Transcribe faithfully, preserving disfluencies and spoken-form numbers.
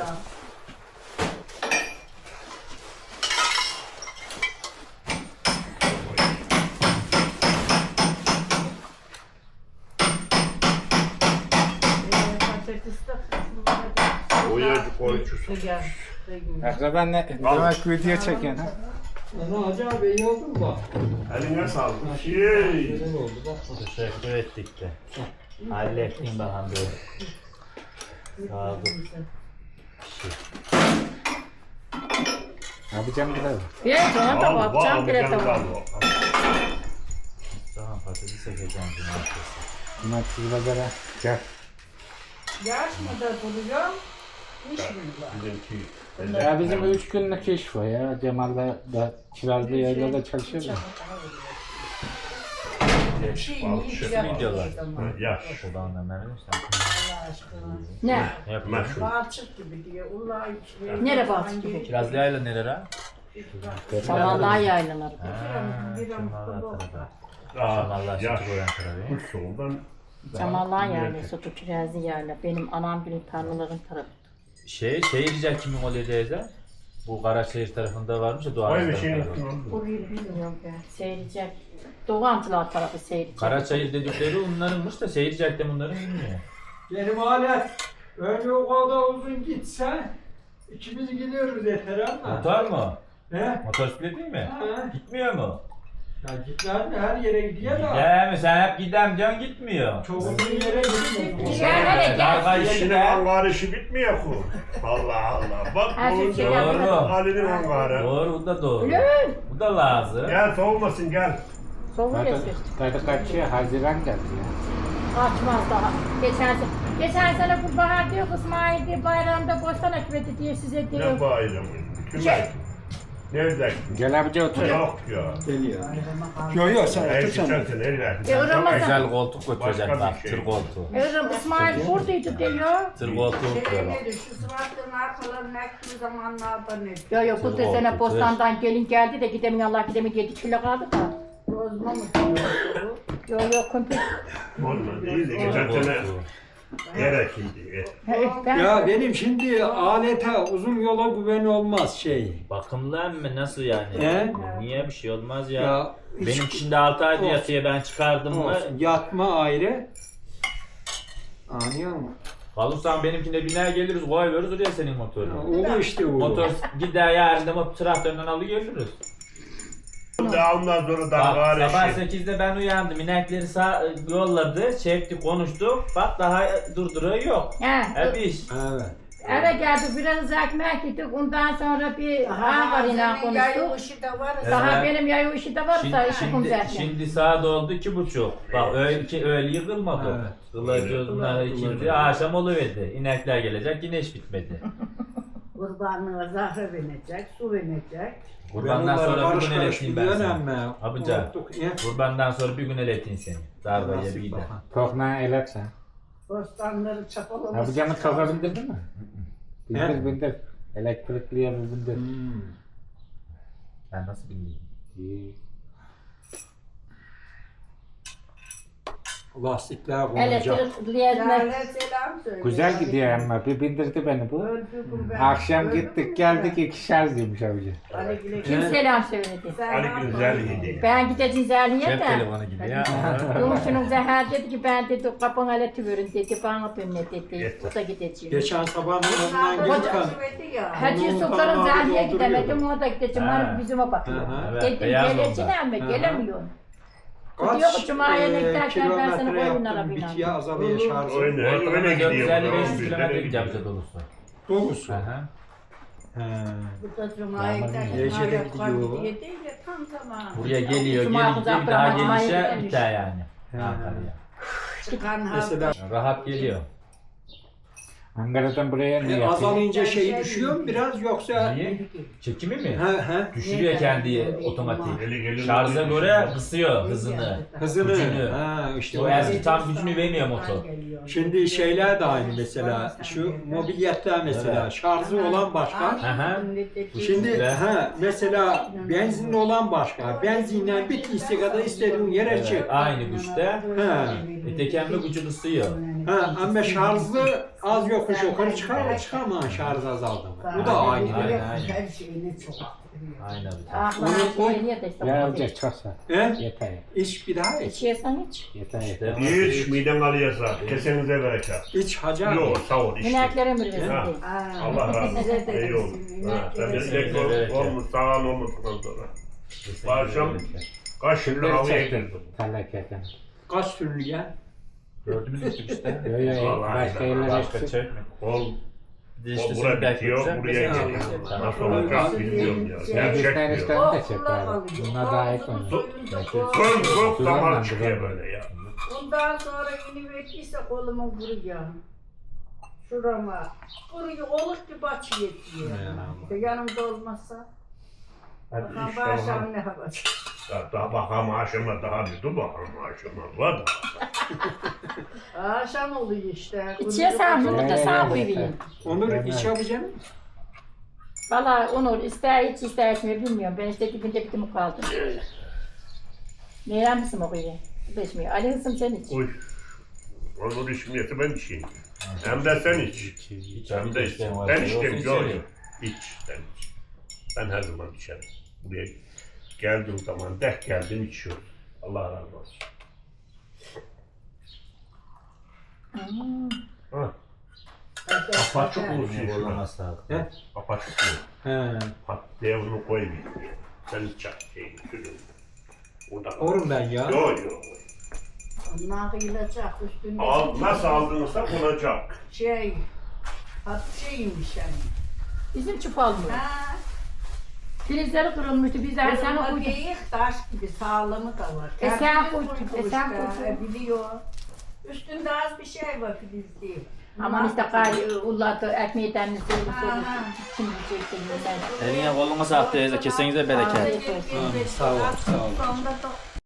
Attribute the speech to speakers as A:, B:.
A: Oyacık oyuncusu.
B: Akraban ne? Demek video çeken ha?
C: Ana Hacı abi iyi oldu mu?
A: Eline sağlık. Şey.
C: Güzel oldu bak.
D: Teşekkür ettik de. Hallettim bakalım böyle. Sağ olun.
B: Ne yapacağım bilelim.
E: Bir sana da bakacağım bile tamam.
D: Tamam patates ekeceğim cumartesi.
B: Cumartesi pazara gel.
E: Yaş mı da duruyor? İş mi var?
A: Bizimki.
B: Ya bizim üç günlük iş var ya. Cemal'la da Kirazlı Yayla'da çalışıyor ya.
E: Şey, iyi
A: Şey,
E: güzel
D: videolar.
E: oldu.
A: Yaş.
D: Şuradan da memnun sen.
E: Allah aşkına. Ne?
D: Ne yapıyorsun?
A: Meşhur.
E: Balçık gibi diye. Ulan içi.
D: Nere balçık gibi? Kirazlı yayla nereye?
E: Samanlığa yaylanır.
D: Şamallah
A: Yaş.
D: sütü koyan tarafı.
A: Soldan.
E: Samanlığa yayla, Sotu Kirazlı yayla. Benim anam günün tarlaların tarafı.
D: Şey, şehirciler kimin oluyor teyze? Bu Karaşehir tarafında varmış ya Doğu
A: Vay be
D: Anadolu
A: şeyin
D: tarafı.
A: aklına.
E: Orayı bilmiyorum ben. Seyredecek. Doğu Antılar tarafı seyredecek.
D: Karaçayır dedikleri onlarınmış da Seyircik de bunların bilmiyor.
C: Benim alet önce o kadar uzun gitse ikimiz gidiyoruz yeter ama.
D: Motor mu?
C: He?
D: Motosiklet değil mi?
C: Ha?
D: Gitmiyor mu?
C: Ya gitler mi? Her yere gidiyor da.
D: Gider mi? Sen hep gidem diyorsun gitmiyor.
C: Çok uzun yere gitmiyor.
E: Gel hele gel.
D: Dalga
A: İşinin
D: işine.
A: hangarı işi bitmiyor ku. Allah Allah. Bak
E: Her şey
A: bulunca
E: şey
D: Doğru.
A: Ali'nin hangarı.
D: Doğru, bu da doğru.
E: Öyle.
D: Bu da lazım.
A: Gel soğumasın gel.
E: Soğuk
B: Zaten,
E: esir.
B: zaten kaçıyor. Haziran geldi ya.
E: Açmaz daha. Geçen sene, geçen sene bu bahar diyor, İsmail diyor bayramda bostan ekmedi diyor size diyor.
A: Ne bayramı? Kim
E: Şey.
A: ekti? Nerede ektin?
B: Gel abici otur.
A: Yok ya.
C: Geliyor. Yok yok sen
A: Her
C: otur sen.
A: geçerse nerede ektin?
E: E, Ramazan.
D: Güzel koltuk götürecek
A: Başka
D: bak,
A: bir şey.
D: tır koltuğu.
E: Evrim İsmail buradaydı diyor.
D: Tır koltuğu oturuyor bak.
F: Şu sıvatların arkalarını ektiği zamanlarda ne?
E: Yo yo bu
D: Tır
E: da sene
D: koltuğu,
E: bostandan gelin geldi de gidemiyor Allah gidemiyor yedi kilo kaldı da.
F: Bozma mı?
E: Yo yo komple.
A: Olmadı değil de geçen sene yer ekildi.
E: Ben,
C: Ya benim şimdi alete uzun yola güven olmaz şey.
D: Bakımlı mı nasıl yani?
C: He?
D: Niye bir şey olmaz ya?
C: Ya hiç-
D: Benim şimdi altı ayda
C: Olsun.
D: yatıyor ben çıkardım mı?
C: olsun. Yatma ayrı. Anlıyor musun?
D: Kalırsan benimkine biner geliriz koy veririz oraya senin
C: Ya,
D: motorunu.
C: O işte o.
D: Motor gider yarın da mı traktörden alı geliriz.
A: Daha ondan sonra daha
D: Bak, sabah
A: gari şey.
D: sekizde ben uyandım. İnekleri sağ, yolladı, çekti, konuştuk. Bak daha durduruyor yok.
E: he.
D: Hep iş.
C: Evet.
E: Eve geldik biraz ekmek yedik ondan sonra bir Ankara'yla konuştuk.
F: Yayılışı da var.
E: Daha
D: Evet.
E: benim yayı işi de varsa
D: Şimdi,
E: işi
D: şimdi,
E: kumzerken.
D: şimdi saat oldu iki buçuk. Bak öyle, iki, öyle yıkılmadı.
C: Evet.
D: Kılacağız bunlar ikindi. Akşam oluverdi. İnekler gelecek yine iş bitmedi.
F: Kurbanlığa zahre verecek, su verecek.
D: Kurbandan sonra bir gün eleteyim ben seni.
C: Ama.
D: Abica. Kurbandan sonra bir gün eleteyim seni. Darbayı bir de.
B: Tokna elet sen.
F: Bostanları çapalamış.
B: Abicamı toka bindirdin mi? Bindir
C: He?
B: bindir. Elektrikliye mi bindir?
C: Hmm.
D: Ben nasıl bileyim?
B: İyi.
C: Lastikler konacak.
E: Elektrikliye
F: Zahre selam söyle.
B: Güzel gidiyor ama bir bindirdi beni bu.
F: Öldü bu ben.
B: Akşam
F: Öldü
B: gittik
F: bu
B: geldik
F: ben.
B: iki şarjıymış abici.
F: Ali güle
E: kim
F: güle.
E: selam söyledi.
F: Sen
A: Ali
F: yapma.
A: güzel yedi.
E: Ben gideceğim Zerli'ye
D: Cep
E: de.
D: telefonu gibi ya.
E: Yumuşunun Zehra dedi ki ben dedi kapına aleti verin dedi bana dönme dedi. O da gideceğim.
C: Geçen sabah
F: Bunlar
C: yanından
F: da
C: gelirken.
F: çözümedi ya.
E: Hacı
C: Onun
E: Sultan'ın
C: kanalını
E: Zerli'ye
C: dolduruyor.
E: gidemedim o da gideceğim.
D: Ha.
E: Hani bizime bakıyor.
C: Hı hı.
D: Evet,
E: Dedim
D: beyaz
E: geleceğim
D: onda.
E: ama
C: Hı hı.
E: gelemiyorum. Diyor ki Cuma'ya ne giderken ben sana
C: kilometre
E: koyun
C: yaptım,
E: arabıyla.
C: bitiye azalıyor şarjı.
A: Öyle, öyle gidiyor.
D: dört yüz elli beş yüz
A: Doğru,
D: kilometre
A: öyle
D: gideceğim
A: gidiyor.
D: bize dolusu.
C: Doğrusu.
D: Aha.
C: He.
F: Burada Cuma'ya giderken
C: Gece de
F: hala
C: gidiyor.
F: kalbi diye değil de tam zamanı.
D: Buraya geliyor,
E: Cuma
D: geri gidiyor, bir daha
E: Cuma'ya
D: gelişe
E: gidemiş.
D: biter yani.
C: He.
D: Ankara'ya.
F: Çıkan
C: Mesela
F: hafta.
D: Rahat geliyor.
B: Ankara'dan buraya ne
C: e,
B: yapıyor?
C: azalınca şeyi düşüyor mu biraz yoksa?
D: Niye? Çekimi mi?
C: He he.
D: Düşürüyor kendi otomatik.
A: Eli gelir.
D: Şarja göre kısıyor hızını.
C: Hızını.
D: Gücünü.
C: Ha işte
D: O
C: o.
D: eski tam gücünü vermiyor motor.
C: Şimdi şeyler de aynı mesela. Şu mobilyetler mesela. Şarjı olan başka.
D: Aha.
C: Şimdi
D: Güzel.
C: ha mesela benzinli olan başka. Benzinle bittiyse kadar istediğin yere
D: Evet,
C: çık.
D: aynı güçte.
C: Ha.
D: E, tekerle gücü kısıyor.
C: Ha, ama şarjlı az yokuş yukarı çıkar çıkar mı şarj azaldı mı? Bu da aynı.
D: Aynen, aynen.
F: Her şeyini çok.
D: Aynen.
E: Ahlar şey de işte.
B: Ya olacak çoksa.
C: He?
B: Yeter.
C: İç bir daha iç.
E: İçiyorsan iç.
B: Yeter yeter.
A: Hiç miden alıyorsa kesenize bereket.
C: İç hacı abi.
A: Yok sağ ol işte.
E: Mineklere mi versin
A: Ha.
E: diye.
A: Allah razı olsun.
F: Size de
A: İyi oldu. Ha, Sen de tek ol- olmuş sağan olmadıktan sonra. Bu akşam kaç yıldır havaya girdim.
B: Terleketen.
C: Kaç türlü gel?
D: Dördümüz içtik işte.
B: Yo yo
A: Vallahi
B: başka
A: ben-
B: yerlere
D: Başka
B: gitsin.
D: çekme.
A: Ol,
D: Bir de işte
A: ol
D: seni
A: buraya bitiyor,
D: bekleyeceğim.
A: buraya
C: Tamam.
A: geliyor.
C: Tamam.
A: Nasıl olacak bilmiyorum ya. Gerçek
B: Bizden
A: diyor.
B: işten de çek abi. Bunlar daha iyi konu.
A: Çok çok damar çıkıyor böyle ya.
F: Bundan sonra yeni vettiyse kolumu vuruyor. Şurama. Vuruyor, oluk gibi açı yetiyor. İşte yanımda olmazsa.
A: Hadi
F: Bakan
A: işte
F: bağışan
A: ona.
F: ne yapacak?
A: Ya daha bakalım aşama daha bir dur bakalım aşama var da.
F: Akşam oluyor işte.
E: İçiyorsan bunu da sağ koyayım.
C: Onur iç yapacağım.
E: Valla Onur ister iç ister içmiyor bilmiyorum. Ben işte dibinde bitimi kaldım. Meyrem misin okuyor? İçmiyor. Ali kızım sen iç.
A: Uy. Onun içmiyeti ben içeyim. Hem de sen iç. Hem de iç. Ben içtim George. İç sen iç. Ben her zaman içerim. Buraya geldiğim zaman deh geldim içiyorum. Allah razı olsun.
E: Hmm.
A: Ha. Apaçık oluşuyor şuna.
D: Zorlaması lazım.
C: He?
A: Apaçık oluyor.
C: He.
A: Pat diye bunu koyayım. Sen iç çak şeyini sürün. Orada.
C: Orum ben ya.
A: Yok yok.
F: Onlar yılacak üstünde.
A: Al, nasıl aldığınızda konacak.
F: Şey. Hat şeymiş yani.
E: Bizim çuval mı?
F: Ha.
E: Filizleri kırılmıştı. Biz de sen
F: Kırılma
E: okudun.
F: değil, taş gibi sağlamı da var.
E: E sen
F: Kendini
E: koydun,
F: koydu
E: e sen
F: işte,
E: koydun.
F: e, biliyor. Üstünde az bir şey var Filiz değil.
E: Aman işte gay ulladı ekmeği denli söylü söylü.
F: Aha.
E: Şimdi çektim ben.
D: Eline koluna sağlık teyze. Kesenize bereket.
E: Afiyet olsun.
C: Sağ ol, sağ ol.
F: Sonunda da